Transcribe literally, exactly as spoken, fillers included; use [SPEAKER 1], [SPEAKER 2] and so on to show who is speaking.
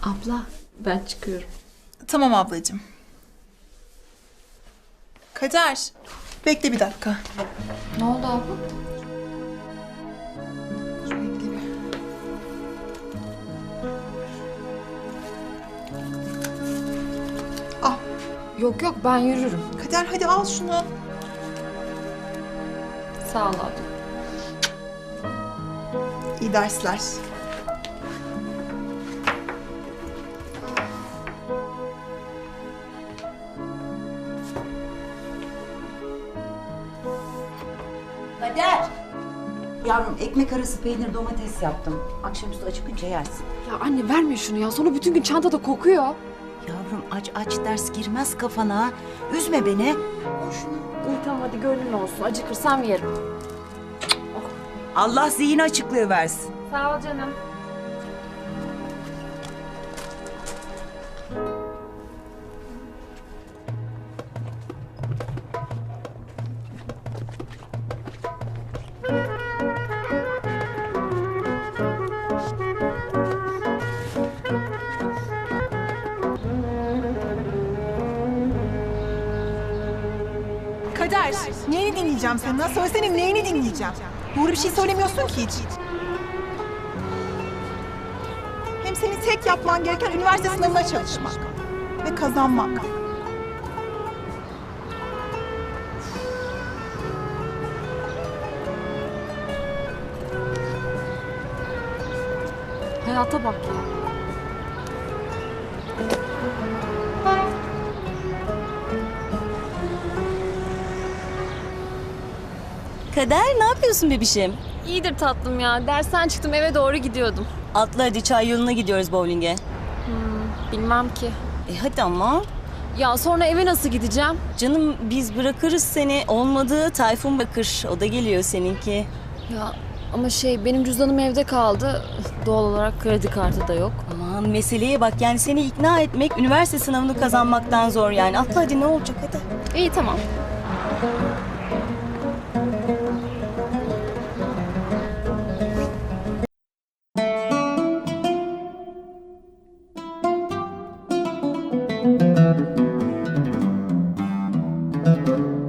[SPEAKER 1] Abla ben çıkıyorum.
[SPEAKER 2] Tamam ablacığım. Kader, bekle bir dakika.
[SPEAKER 1] Ne oldu abla?
[SPEAKER 2] Bekle bir. Al,
[SPEAKER 1] Yok yok ben yürürüm.
[SPEAKER 2] Kader hadi al şunu.
[SPEAKER 1] Sağ ol abla.
[SPEAKER 2] İyi dersler.
[SPEAKER 3] Kader! Yavrum ekmek arası peynir domates yaptım. Akşamüstü acıkınca yersin.
[SPEAKER 1] Ya anne verme şunu ya. Sonra bütün gün çantada kokuyor.
[SPEAKER 3] Yavrum aç aç ders girmez kafana. Üzme beni. Al şunu.
[SPEAKER 1] İyi tamam hadi gönlün olsun. Acıkırsam yerim.
[SPEAKER 3] Allah zihin açıklığı versin.
[SPEAKER 1] Sağ ol canım.
[SPEAKER 2] Kader, neyini dinleyeceğim senden? Söylesene neyini dinleyeceğim? Doğru bir şey söylemiyorsun ki hiç. Hem senin tek yapman gereken üniversite sınavına çalışmak. Ve kazanmak.
[SPEAKER 1] Hayata bak ya.
[SPEAKER 4] Kader ne yapıyorsun bebişim?
[SPEAKER 1] İyidir tatlım ya. Dersten çıktım eve doğru gidiyordum.
[SPEAKER 4] Atla hadi çay yoluna gidiyoruz bowling'e.
[SPEAKER 1] Bilmem ki.
[SPEAKER 4] E hadi ama.
[SPEAKER 1] Ya sonra eve nasıl gideceğim?
[SPEAKER 4] Canım biz bırakırız seni. Olmadı Tayfun bakır. O da geliyor seninki.
[SPEAKER 1] Ya ama şey benim cüzdanım evde kaldı. Doğal olarak kredi kartı da yok.
[SPEAKER 4] Aman meseleye bak yani seni ikna etmek üniversite sınavını kazanmaktan zor yani. Atla hadi ne olacak hadi.
[SPEAKER 1] İyi tamam.
[SPEAKER 5] Thank you.